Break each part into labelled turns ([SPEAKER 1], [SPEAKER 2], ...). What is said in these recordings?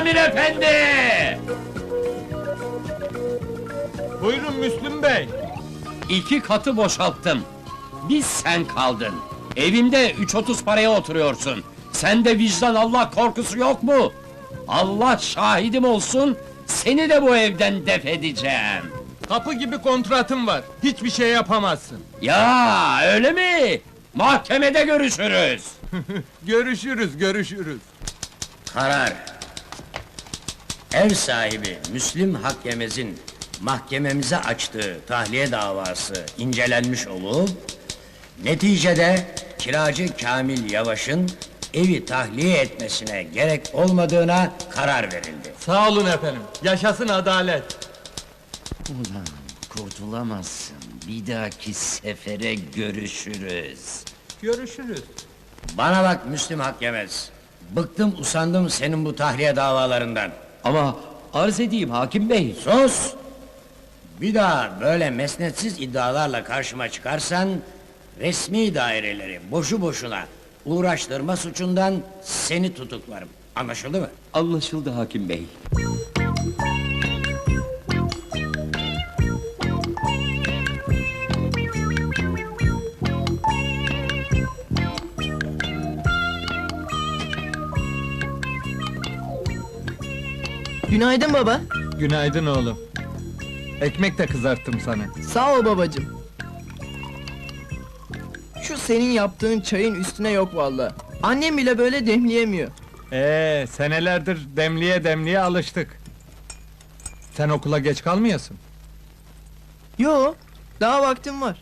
[SPEAKER 1] Kamil efendi!
[SPEAKER 2] Buyurun Müslüm Bey.
[SPEAKER 1] 2 katı boşalttım. Bir sen kaldın. Evimde 3.30 paraya oturuyorsun. Sende vicdan Allah korkusu yok mu? Allah şahidim olsun, seni de bu evden def edeceğim.
[SPEAKER 2] Kapı gibi kontratım var. Hiçbir şey yapamazsın.
[SPEAKER 1] Ya öyle mi? Mahkemede görüşürüz.
[SPEAKER 2] Görüşürüz.
[SPEAKER 3] Karar. Ev sahibi Müslim Hakkemez'in mahkememize açtığı tahliye davası incelenmiş olup, neticede kiracı Kamil Yavaş'ın evi tahliye etmesine gerek olmadığına karar verildi.
[SPEAKER 2] Sağ olun efendim. Yaşasın adalet.
[SPEAKER 1] Ulan kurtulamazsın. Bir dahaki sefere görüşürüz.
[SPEAKER 2] Görüşürüz.
[SPEAKER 3] Bana bak Müslim Hakkemez. Bıktım usandım senin bu tahliye davalarından.
[SPEAKER 1] Ama arz edeyim hakim bey.
[SPEAKER 3] Sus! Bir daha böyle mesnetsiz iddialarla karşıma çıkarsan, resmi daireleri boşu boşuna uğraştırma suçundan seni tutuklarım. Anlaşıldı mı?
[SPEAKER 1] Anlaşıldı hakim bey.
[SPEAKER 4] Günaydın baba.
[SPEAKER 2] Günaydın oğlum. Ekmek de kızarttım sana.
[SPEAKER 4] Sağ ol babacığım. Şu senin yaptığın çayın üstüne yok vallahi. Annem bile böyle demleyemiyor.
[SPEAKER 2] Senelerdir demliye alıştık. Sen okula geç kalmayasın.
[SPEAKER 4] Yo, daha vaktim var.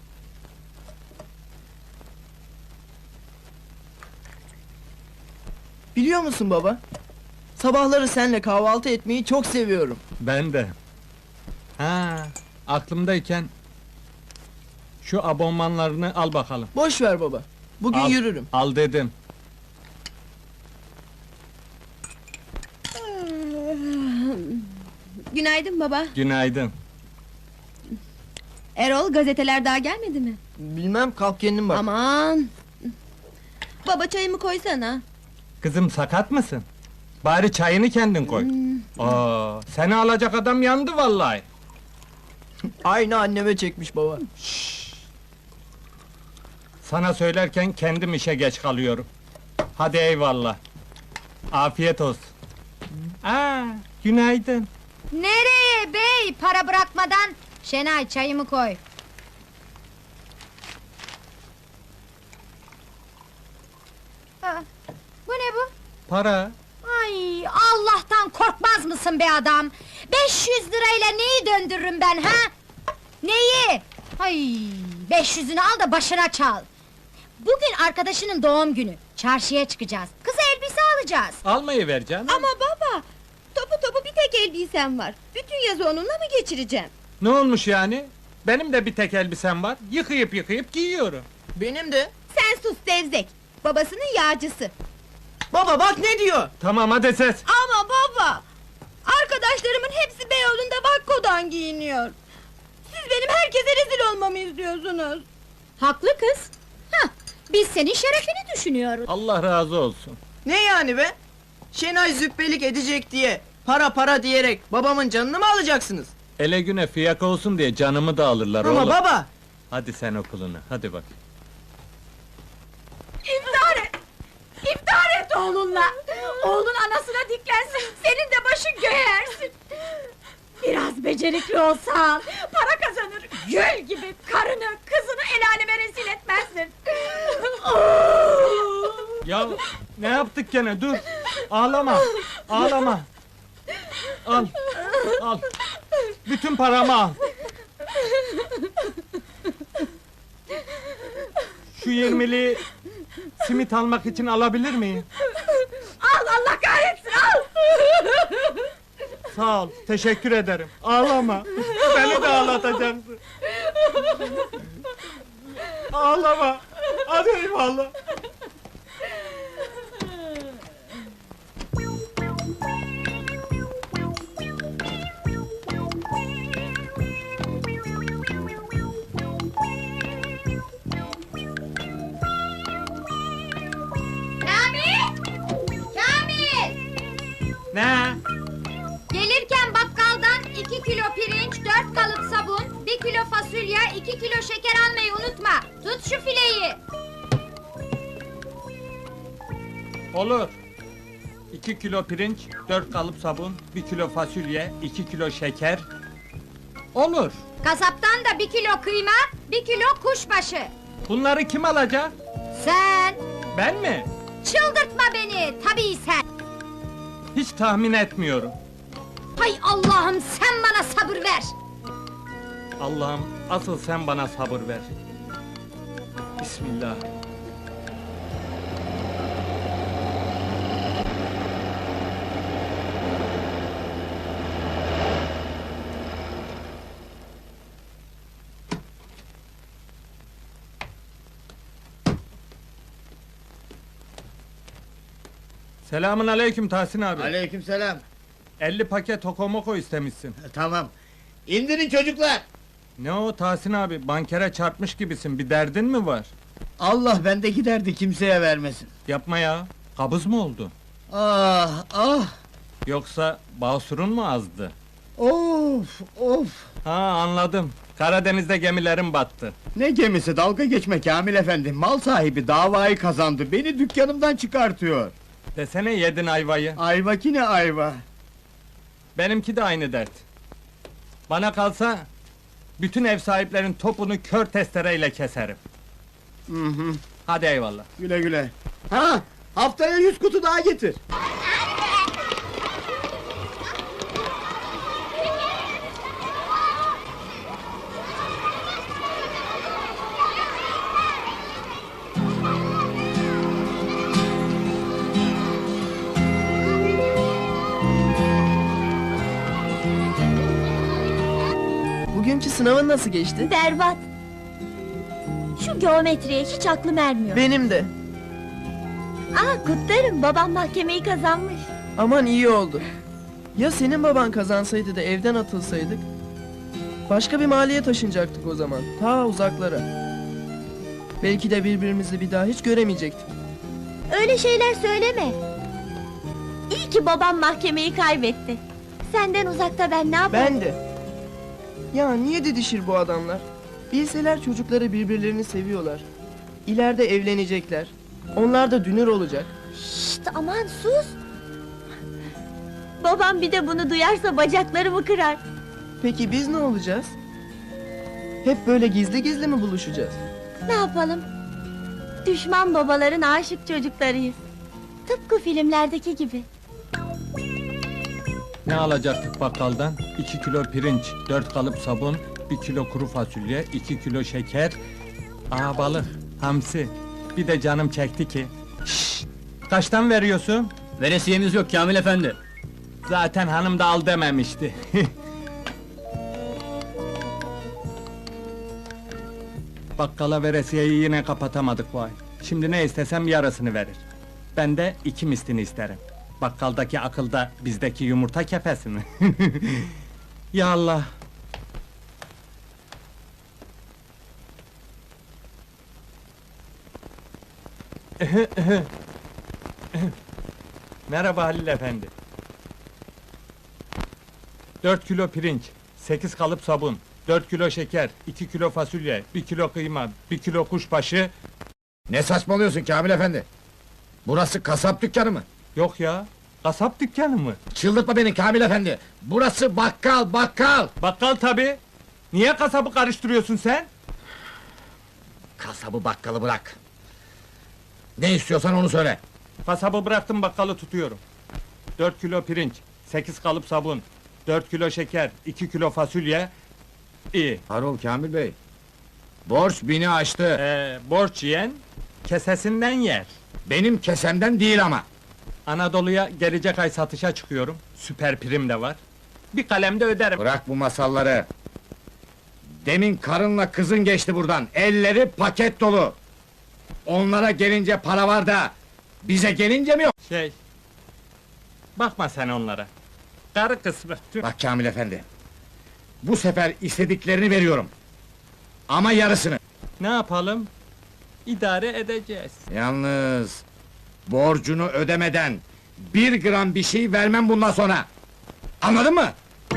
[SPEAKER 4] Biliyor musun baba? Sabahları seninle kahvaltı etmeyi çok seviyorum.
[SPEAKER 2] Ben de. Ha, aklımdayken şu abonmanlarını al bakalım.
[SPEAKER 4] Boş ver baba. Bugün
[SPEAKER 2] Al,
[SPEAKER 4] yürürüm.
[SPEAKER 2] Al dedim.
[SPEAKER 5] Günaydın baba.
[SPEAKER 2] Günaydın.
[SPEAKER 5] Erol, gazeteler daha gelmedi mi?
[SPEAKER 4] Bilmem, kalk kendin bak.
[SPEAKER 5] Aman! Baba, çayımı koysana.
[SPEAKER 2] Kızım sakat mısın? Bari çayını kendin koy. Seni alacak adam yandı vallahi.
[SPEAKER 4] Aynı anneme çekmiş baba.
[SPEAKER 2] Sana söylerken kendim işe geç kalıyorum. Hadi eyvallah. Afiyet olsun. Günaydın.
[SPEAKER 6] Nereye bey? Para bırakmadan. Şenay çayımı koy. Aa, bu ne bu?
[SPEAKER 2] Para.
[SPEAKER 6] Ay Allah'tan korkmaz mısın be adam? 500 lirayla neyi döndürürüm ben ha? Neyi? Ay 500'ünü al da başına çal. Bugün arkadaşının doğum günü. Çarşıya çıkacağız. Kıza elbise alacağız.
[SPEAKER 2] Almayı ver canım.
[SPEAKER 5] Ama baba! Topu bir tek elbisem var. Bütün yazı onunla mı geçireceğim?
[SPEAKER 2] Ne olmuş yani? Benim de bir tek elbisem var. Yıkayıp giyiyorum.
[SPEAKER 4] Benim de.
[SPEAKER 5] Sen sus Devzek! Babasının yağcısı.
[SPEAKER 4] Baba bak ne diyor?
[SPEAKER 2] Tamam hadi ses.
[SPEAKER 5] Ama baba! Arkadaşlarımın hepsi Beyoğlu'nda Vakko'dan giyiniyor. Siz benim herkese rezil olmamı istiyorsunuz.
[SPEAKER 6] Haklı kız. Hah, biz senin şerefini düşünüyoruz.
[SPEAKER 2] Allah razı olsun.
[SPEAKER 4] Ne yani be? Şenay züppelik edecek diye, para diyerek babamın canını mı alacaksınız?
[SPEAKER 2] Ele güne fiyak olsun diye canımı da alırlar
[SPEAKER 4] Ama
[SPEAKER 2] oğlum.
[SPEAKER 4] baba!
[SPEAKER 2] Hadi sen okulunu, hadi bak.
[SPEAKER 6] İftihar et! İftihar et oğlunla! Oğlun anasına diklensin, senin de başın göğe ersin! Biraz becerikli olsan, para kazanır, gül gibi karını, kızını el aleme rezil etmezsin!
[SPEAKER 2] Ya ne yaptık gene, dur! Ağlama, ağlama! Al! Bütün paramı al! Şu 20'li simit almak için alabilir miyim?
[SPEAKER 6] Al, Allah kahretsin, al!
[SPEAKER 2] Sağ ol, teşekkür ederim. Ağlama! Beni de ağlatacaksın! Ağlama! Hadi eyvallah!
[SPEAKER 6] Kamil! Kamil!
[SPEAKER 2] Ne? He?
[SPEAKER 6] Gelirken bakkaldan 2 kilo pirinç, 4 kalıp sabun, 1 kilo fasulye, 2 kilo şeker almayı unutma. Tut şu fileyi.
[SPEAKER 2] Olur. 2 kilo pirinç, 4 kalıp sabun, 1 kilo fasulye, 2 kilo şeker. Olur.
[SPEAKER 6] Kasaptan da 1 kilo kıyma, 1 kilo kuşbaşı.
[SPEAKER 2] Bunları kim alacak?
[SPEAKER 6] Sen
[SPEAKER 2] Ben mi?
[SPEAKER 6] çıldırtma beni, tabii sen.
[SPEAKER 2] Hiç tahmin etmiyorum.
[SPEAKER 6] Hay Allah'ım, sen bana sabır ver.
[SPEAKER 2] Allah'ım, asıl sen bana sabır ver. Bismillah. Selamun aleyküm Tahsin abi.
[SPEAKER 7] Aleykümselam.
[SPEAKER 2] 50 paket okomoko istemişsin.
[SPEAKER 7] Tamam. İndirin çocuklar.
[SPEAKER 2] Ne o Tahsin abi, bankere çarpmış gibisin, bir derdin mi var?
[SPEAKER 7] Allah bendeki derdi kimseye vermesin.
[SPEAKER 2] Yapma ya, kabız mı oldu?
[SPEAKER 7] Ah ah.
[SPEAKER 2] Yoksa basurun mu azdı?
[SPEAKER 7] Of of.
[SPEAKER 2] Ha anladım, Karadeniz'de gemilerin battı.
[SPEAKER 7] Ne gemisi, dalga geçme Kamil efendi. Mal sahibi davayı kazandı. Beni dükkanımdan çıkartıyor.
[SPEAKER 2] Desene yedin ayvayı.
[SPEAKER 7] Ayva ki ne ayva.
[SPEAKER 2] Benimki de aynı dert. Bana kalsa, bütün ev sahiplerin topunu kör testereyle keserim.
[SPEAKER 7] Hı hı.
[SPEAKER 2] Hadi eyvallah.
[SPEAKER 7] Güle güle. Ha, haftaya 100 kutu daha getir.
[SPEAKER 4] Bugünkü sınavın nasıl geçti?
[SPEAKER 5] Berbat. Şu geometriye hiç aklım ermiyor.
[SPEAKER 4] Benim de.
[SPEAKER 5] Kutlarım, babam mahkemeyi kazanmış.
[SPEAKER 4] Aman iyi oldu. Ya senin baban kazansaydı da evden atılsaydık? Başka bir mahalleye taşınacaktık o zaman. Ta uzaklara. Belki de birbirimizi bir daha hiç göremeyecektik.
[SPEAKER 5] Öyle şeyler söyleme. İyi ki babam mahkemeyi kaybetti. Senden uzakta ben ne yaparım?
[SPEAKER 4] Ben de. Ya niye didişir bu adamlar? Bilseler çocukları birbirlerini seviyorlar. İleride evlenecekler. Onlar da dünür olacak.
[SPEAKER 5] Şşt, aman sus! Babam bir de bunu duyarsa bacaklarımı kırar.
[SPEAKER 4] Peki biz ne olacağız? Hep böyle gizli gizli mi buluşacağız?
[SPEAKER 5] Ne yapalım? Düşman babaların aşık çocuklarıyız. Tıpkı filmlerdeki gibi.
[SPEAKER 2] Ne alacaktık bakkaldan? 2 kilo pirinç, 4 kalıp sabun, 1 kilo kuru fasulye, 2 kilo şeker... Balık, hamsi. Bir de canım çekti ki. Şşş! Kaçtan veriyorsun?
[SPEAKER 8] Veresiyemiz yok Kamil efendi.
[SPEAKER 2] Zaten hanım da al dememişti. Bakkala veresiyeyi yine kapatamadık vay. Şimdi ne istesem yarısını verir. Ben de 2 mislini isterim. Bakkaldaki akılda bizdeki yumurta kefesi mi? Ya Allah! Merhaba Halil efendi. 4 kilo pirinç, 8 kalıp sabun, 4 kilo şeker, 2 kilo fasulye, 1 kilo kıyma, 1 kilo kuşbaşı...
[SPEAKER 9] Ne saçmalıyorsun Kamil efendi? Burası kasap dükkanı mı?
[SPEAKER 2] Yok ya, kasap dükkanı mı?
[SPEAKER 9] Çıldırtma beni Kamil efendi! Burası bakkal, bakkal!
[SPEAKER 2] Bakkal tabi. Niye kasabı karıştırıyorsun sen?
[SPEAKER 9] Kasabı bakkalı bırak! Ne istiyorsan onu söyle!
[SPEAKER 2] Kasabı bıraktım, bakkalı tutuyorum. 4 kilo pirinç, 8 kalıp sabun, 4 kilo şeker, 2 kilo fasulye... İyi.
[SPEAKER 9] Harol Kamil bey! Borç bini aştı!
[SPEAKER 2] Borç yiyen, kesesinden yer.
[SPEAKER 9] Benim kesemden değil ama!
[SPEAKER 2] Anadolu'ya gelecek ay satışa çıkıyorum. Süper prim de var. Bir kalemde öderim.
[SPEAKER 9] Bırak bu masalları! Demin karınla kızın geçti buradan, elleri paket dolu! Onlara gelince para var da, bize gelince mi yok?
[SPEAKER 2] Bakma sen onlara. Karı kısmı. Tüh.
[SPEAKER 9] Bak Kamil efendi! Bu sefer istediklerini veriyorum! Ama yarısını!
[SPEAKER 2] Ne yapalım? İdare edeceğiz.
[SPEAKER 9] Yalnız... Borcunu ödemeden... Bir gram bir şey vermem bundan sonra. Anladın mı?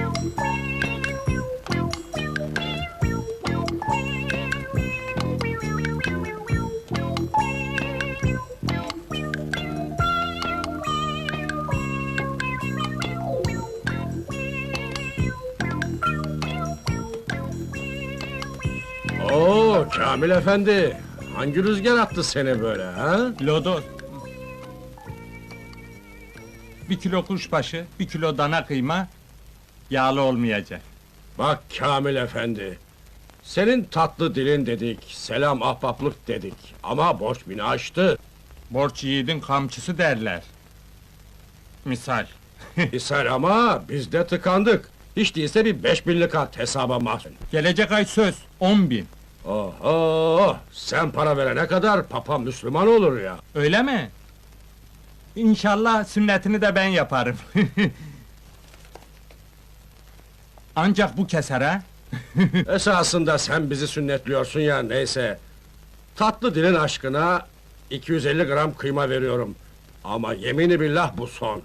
[SPEAKER 10] Oo Kamil efendi, hangi rüzgar attı seni böyle ha?
[SPEAKER 2] Lodos. 1 kilo kuşbaşı, 1 kilo dana kıyma, yağlı olmayacak.
[SPEAKER 10] Bak Kamil efendi, senin tatlı dilin dedik, selam ahbaplık dedik ama borç bini aştı.
[SPEAKER 2] Borç yiğidin kamçısı derler. Misal.
[SPEAKER 10] İshal ama biz de tıkandık. Hiç değilse bir 5000'lik at hesaba mahzun.
[SPEAKER 2] Gelecek ay söz, 10.000.
[SPEAKER 10] Oho, sen para verene kadar papa Müslüman olur ya.
[SPEAKER 2] Öyle mi? İnşallah sünnetini de ben yaparım. Ancak bu keser ha?
[SPEAKER 10] Esasında sen bizi sünnetliyorsun ya, neyse. Tatlı dilin aşkına 250 gram kıyma veriyorum. Ama yemini billah bu son.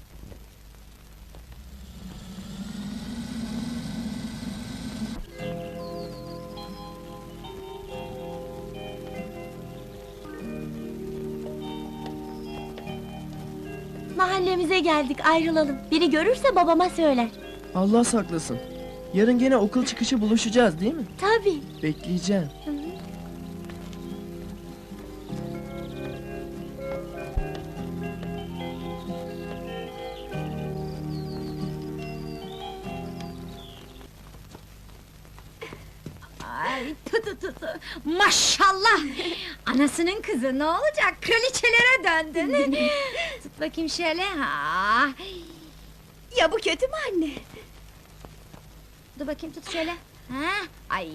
[SPEAKER 5] Mahallemize geldik, ayrılalım. Biri görürse babama söyler.
[SPEAKER 4] Allah saklasın. Yarın gene okul çıkışı buluşacağız değil mi?
[SPEAKER 5] Tabii.
[SPEAKER 4] Bekleyeceğim.
[SPEAKER 6] Ay tu. Maşallah! Anasının kızı ne olacak? Kraliçelere döndün. Tut bakayım şöyle. Ha.
[SPEAKER 5] Ya bu kötü mü anne?
[SPEAKER 6] Dur bakayım tut şöyle. Ha. Ay!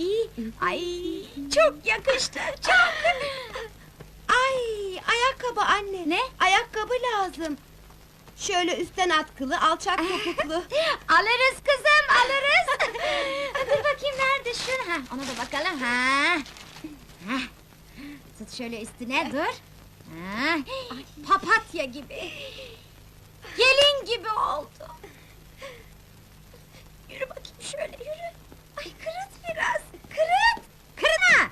[SPEAKER 6] Çok yakıştı. Çok.
[SPEAKER 5] Ay, ayakkabı anne.
[SPEAKER 6] Ne?
[SPEAKER 5] Ayakkabı lazım. Şöyle üstten atkılı, alçak topuklu.
[SPEAKER 6] Alırız kızım, alırız. Dur bakayım nerede şu? Ha, ona da bakalım. Ha. Ha. Tut şöyle üstüne dur. Ha. Papatya gibi. Gelin gibi oldu. Yürü bakayım şöyle yürü. Ay kırıt biraz. Kırıt. Kırına.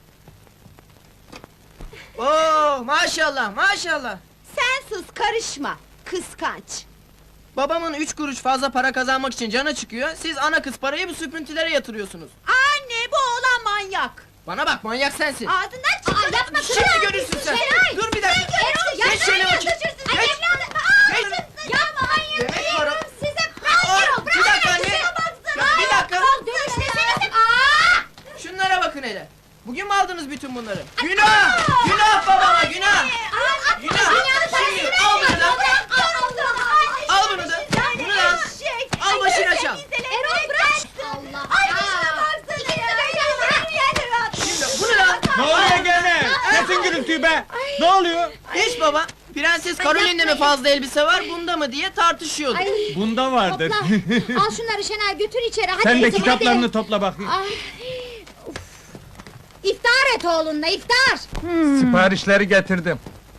[SPEAKER 4] Oo, maşallah maşallah.
[SPEAKER 5] Sen sus, karışma. Kıskanç.
[SPEAKER 4] Babamın 3 kuruş fazla para kazanmak için canı çıkıyor. Siz ana kız parayı bu süprüntülere yatırıyorsunuz.
[SPEAKER 5] Anne, bu oğlan manyak.
[SPEAKER 4] Bana bak, manyak sensin.
[SPEAKER 5] Ağzından çıktı.
[SPEAKER 6] Yapma
[SPEAKER 4] Şimdi görürsün sen. Dur bir dakika. Geç şöyle bakayım. Geç. Geç.
[SPEAKER 6] Yapma manyak.
[SPEAKER 4] Demek para...
[SPEAKER 6] Size
[SPEAKER 4] Bir dakika anne. Ya, bir dakika.
[SPEAKER 6] Dönüşmeseniz.
[SPEAKER 4] Şunlara bakın hele. Bugün mü aldınız bütün bunları? Günah! Günah babama, günah! Günah! Şimdi al bunu da. Al bunu da. Bunu da al. Al başına çal.
[SPEAKER 6] Erol bırak. Allah. Ay şuna baksana ya.
[SPEAKER 4] Şimdi bunu da.
[SPEAKER 2] Ne oluyor gene? Kesin gürültüyü be! Ne oluyor?
[SPEAKER 4] Hiç baba. Prenses Caroline'de mi fazla elbise var, bunda mı diye tartışıyorduk.
[SPEAKER 6] Ay.
[SPEAKER 2] Bunda vardır.
[SPEAKER 6] Topla. Al şunları Şener götür içeri. Hadi
[SPEAKER 2] Sen de
[SPEAKER 6] kızım,
[SPEAKER 2] kitaplarını
[SPEAKER 6] hadi.
[SPEAKER 2] topla bakayım.
[SPEAKER 6] Ay. Uf. İftar et oğlunla iftar.
[SPEAKER 2] Siparişleri getirdim.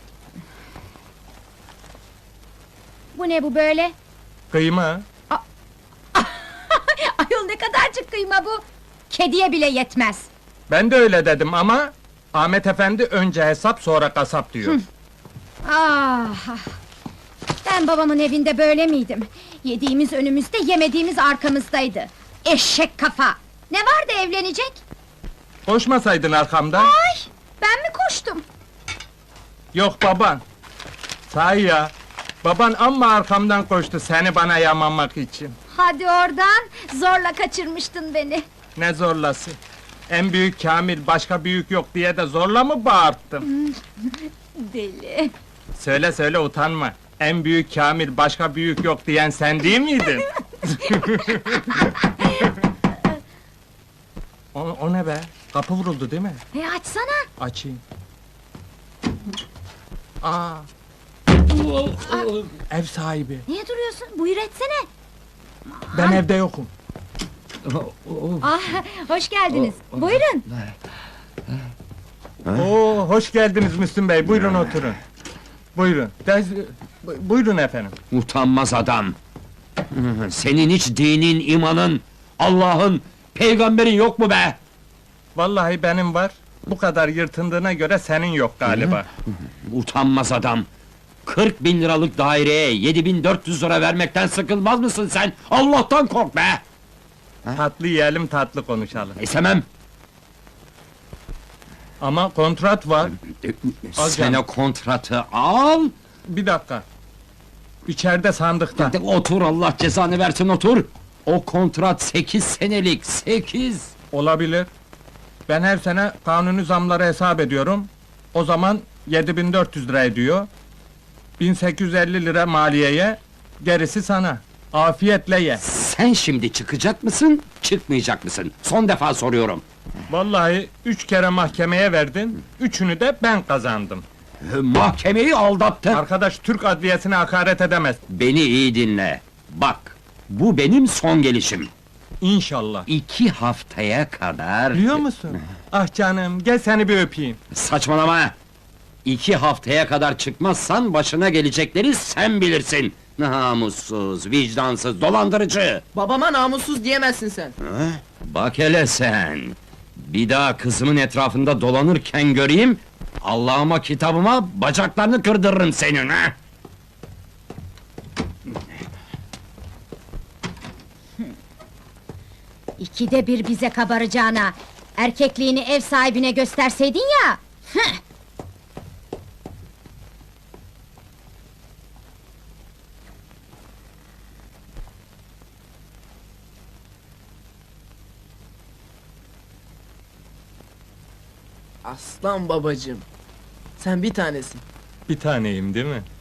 [SPEAKER 6] Bu ne bu böyle?
[SPEAKER 2] Kıyma.
[SPEAKER 6] Ayol ne kadarcık kıyma bu? Kediye bile yetmez.
[SPEAKER 2] Ben de öyle dedim ama... Ahmet efendi önce hesap sonra kasap diyor.
[SPEAKER 6] Ah! Ben babamın evinde böyle miydim? Yediğimiz önümüzde, yemediğimiz arkamızdaydı. Eşek kafa! Ne vardı evlenecek?
[SPEAKER 2] Koşmasaydın arkamdan.
[SPEAKER 6] Ay! Ben mi koştum?
[SPEAKER 2] Yok baban. Sahi ya. Baban amma arkamdan koştu seni bana yamamak için.
[SPEAKER 6] Hadi oradan, zorla kaçırmıştın beni.
[SPEAKER 2] Ne zorlası? En büyük Kamil, başka büyük yok diye de zorla mı bağırttım?
[SPEAKER 6] Deli!
[SPEAKER 2] Söyle söyle utanma. En büyük Kamil, başka büyük yok diyen sen değil miydin? o ne be? Kapı vuruldu değil mi?
[SPEAKER 6] Açsana!
[SPEAKER 2] Açayım. Aa! Ev sahibi.
[SPEAKER 6] Niye duruyorsun? Buyur etsene!
[SPEAKER 2] Ben evde yokum.
[SPEAKER 6] Ah, hoş geldiniz. Buyurun!
[SPEAKER 2] Oo, hoş geldiniz Müslüm Bey. Buyurun oturun. Buyurun. Buyurun efendim.
[SPEAKER 1] Utanmaz adam! Senin hiç dinin, imanın, Allah'ın, peygamberin yok mu be?
[SPEAKER 2] Vallahi benim var. Bu kadar yırtındığına göre senin yok galiba.
[SPEAKER 1] Utanmaz adam! 40 bin liralık daireye 7400 lira vermekten sıkılmaz mısın sen? Allah'tan kork be!
[SPEAKER 2] Tatlı yiyelim, tatlı konuşalım.
[SPEAKER 1] İstemem!
[SPEAKER 2] Ama kontrat var. Al
[SPEAKER 1] Sen
[SPEAKER 2] canım.
[SPEAKER 1] o kontratı al!
[SPEAKER 2] Bir dakika. İçeride sandıkta.
[SPEAKER 1] Otur, Allah cezanı versin, otur! O kontrat 8 senelik, 8!
[SPEAKER 2] Olabilir. Ben her sene kanuni zamları hesap ediyorum. O zaman 7400 lira ediyor. 1850 lira maliyeye, gerisi sana. Afiyetle ye.
[SPEAKER 1] Sen şimdi çıkacak mısın, çıkmayacak mısın? Son defa soruyorum!
[SPEAKER 2] Vallahi 3 kere mahkemeye verdin, üçünü de ben kazandım.
[SPEAKER 1] Mahkemeyi aldattın!
[SPEAKER 2] Arkadaş Türk adliyesine hakaret edemez.
[SPEAKER 1] Beni iyi dinle! Bak, bu benim son gelişim!
[SPEAKER 2] İnşallah.
[SPEAKER 1] 2 haftaya kadar...
[SPEAKER 2] Biliyor musun? Ah canım, gel seni bir öpeyim.
[SPEAKER 1] Saçmalama! 2 haftaya kadar çıkmazsan başına gelecekleri sen bilirsin! Namussuz, vicdansız, dolandırıcı!
[SPEAKER 4] Babama namussuz diyemezsin sen.
[SPEAKER 1] Bak hele sen! Bir daha kızımın etrafında dolanırken göreyim... Allah'ıma kitabıma bacaklarını kırdırırım senin ha!
[SPEAKER 6] İkide bir bize kabaracağına, erkekliğini ev sahibine gösterseydin ya! Hıh!
[SPEAKER 4] Aslan babacığım. Sen bir tanesin.
[SPEAKER 2] Bir taneyim değil mi?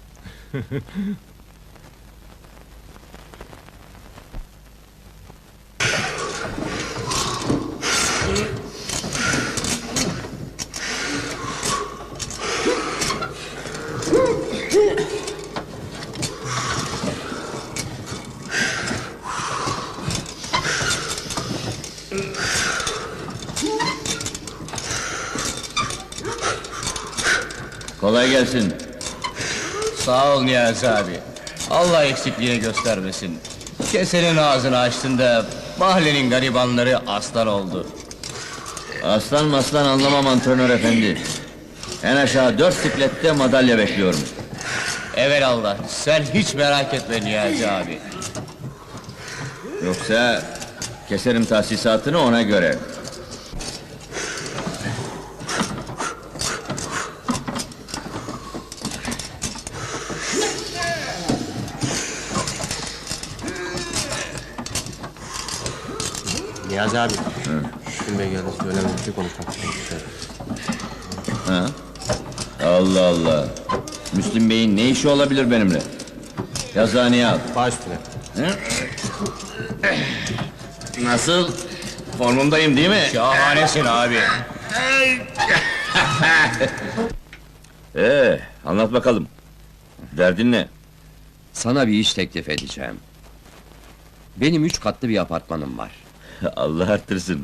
[SPEAKER 11] Kolay gelsin. Sağ ol Niyazi abi. Allah eksikliğini göstermesin. Kesenin ağzını açtığında mahallenin garibanları aslan oldu. Aslan maslan anlamam antrenör efendi. En aşağı 4 siklette madalya bekliyorum. Evelallah, sen hiç merak etme Niyazi abi. Yoksa keserim tahsisatını ona göre.
[SPEAKER 12] Niyazi abi. Müslüm Bey geldi, söylemem bir konuşmak istiyorum.
[SPEAKER 11] Ha? Allah Allah! Müslüm Bey'in ne işi olabilir benimle? Yazıhaneye al.
[SPEAKER 12] Baş üstüne.
[SPEAKER 11] Hı? Nasıl? Formundayım değil mi?
[SPEAKER 12] Şahanesin abi.
[SPEAKER 11] Anlat bakalım. Derdin ne?
[SPEAKER 1] Sana bir iş teklif edeceğim. Benim 3 katlı bir apartmanım var.
[SPEAKER 11] Allah arttırsın.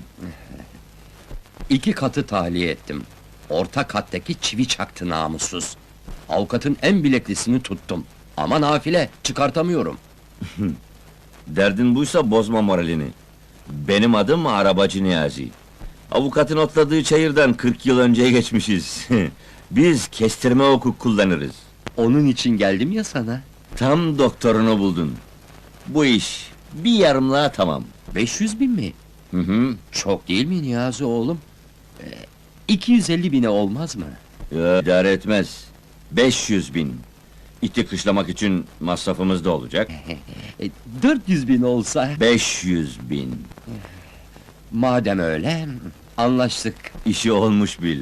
[SPEAKER 1] 2 katı tahliye ettim. Orta kattaki çivi çaktı namussuz. Avukatın en bileklisini tuttum. Ama nafile, çıkartamıyorum.
[SPEAKER 11] Derdin buysa bozma moralini. Benim adım Arabacı Niyazi. Avukatın otladığı çayırdan 40 yıl önceye geçmişiz. Biz kestirme hukuk kullanırız.
[SPEAKER 1] Onun için geldim ya sana.
[SPEAKER 11] Tam doktorunu buldun. Bu iş bir yarımlığa tamam.
[SPEAKER 1] 500 bin mi?
[SPEAKER 11] Hı hı.
[SPEAKER 1] Çok değil mi Niyazi oğlum? 250 bine olmaz mı?
[SPEAKER 11] Ya, idare etmez. 500 bin. İti kışlamak için masrafımız da olacak.
[SPEAKER 1] 400 bin olsa...
[SPEAKER 11] 500 bin.
[SPEAKER 1] Madem öyle, anlaştık.
[SPEAKER 11] İşi olmuş bil.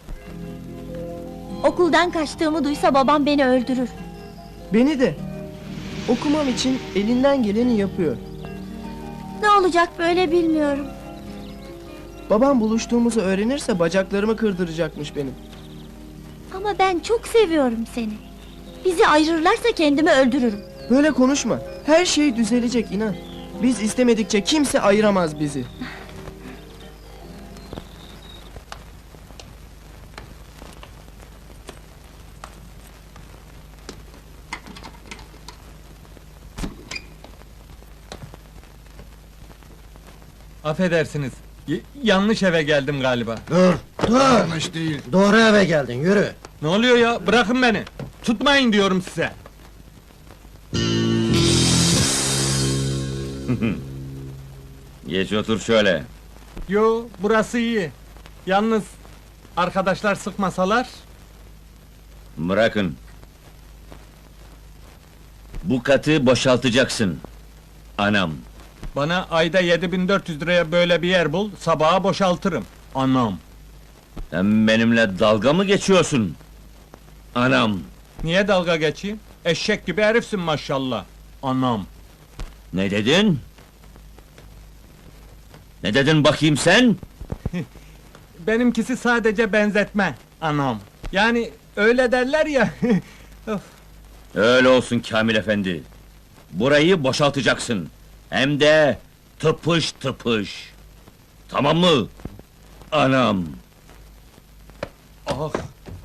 [SPEAKER 5] Okuldan kaçtığımı duysa babam beni öldürür.
[SPEAKER 4] Beni de. Okumam için elinden geleni yapıyor.
[SPEAKER 5] Ne olacak böyle bilmiyorum.
[SPEAKER 4] Babam buluştuğumuzu öğrenirse bacaklarımı kırdıracakmış benim.
[SPEAKER 5] Ama ben çok seviyorum seni. Bizi ayırırlarsa kendimi öldürürüm.
[SPEAKER 4] Böyle konuşma. Her şey düzelecek inan. Biz istemedikçe kimse ayıramaz bizi.
[SPEAKER 2] Affedersiniz. Yanlış eve geldim galiba.
[SPEAKER 3] Dur, yanlış değil. Doğru eve geldin, yürü.
[SPEAKER 2] Ne oluyor ya? Bırakın beni. Tutmayın diyorum size.
[SPEAKER 11] Geç otur şöyle.
[SPEAKER 2] Yo, burası iyi. Yalnız arkadaşlar sıkmasalar.
[SPEAKER 11] Bırakın. Bu katı boşaltacaksın. Anam.
[SPEAKER 2] Bana ayda 7400 liraya böyle bir yer bul, sabaha boşaltırım. Anam.
[SPEAKER 11] Sen benimle dalga mı geçiyorsun? Anam.
[SPEAKER 2] Niye dalga geçeyim? Eşek gibi herifsin maşallah. Anam.
[SPEAKER 11] Ne dedin? Ne dedin bakayım sen?
[SPEAKER 2] Benimkisi sadece benzetme. Anam. Yani öyle derler ya. Of.
[SPEAKER 11] Öyle olsun Kamil efendi. Burayı boşaltacaksın. Hem de tıpış tıpış. Tamam mı? Anam.
[SPEAKER 2] Ah.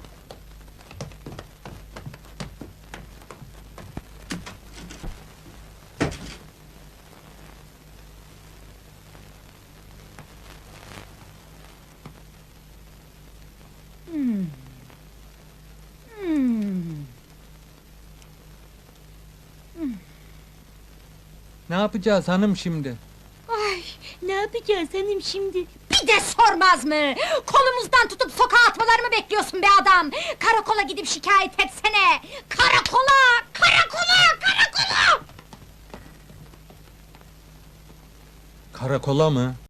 [SPEAKER 2] Ne yapacağız hanım şimdi?
[SPEAKER 6] Ay, ne yapacağız hanım şimdi? Bir de sormaz mı? Kolumuzdan tutup sokağa atmalarımı bekliyorsun be adam! Karakola gidip şikayet etsene! Karakola! Karakola! Karakola!
[SPEAKER 2] Karakola mı?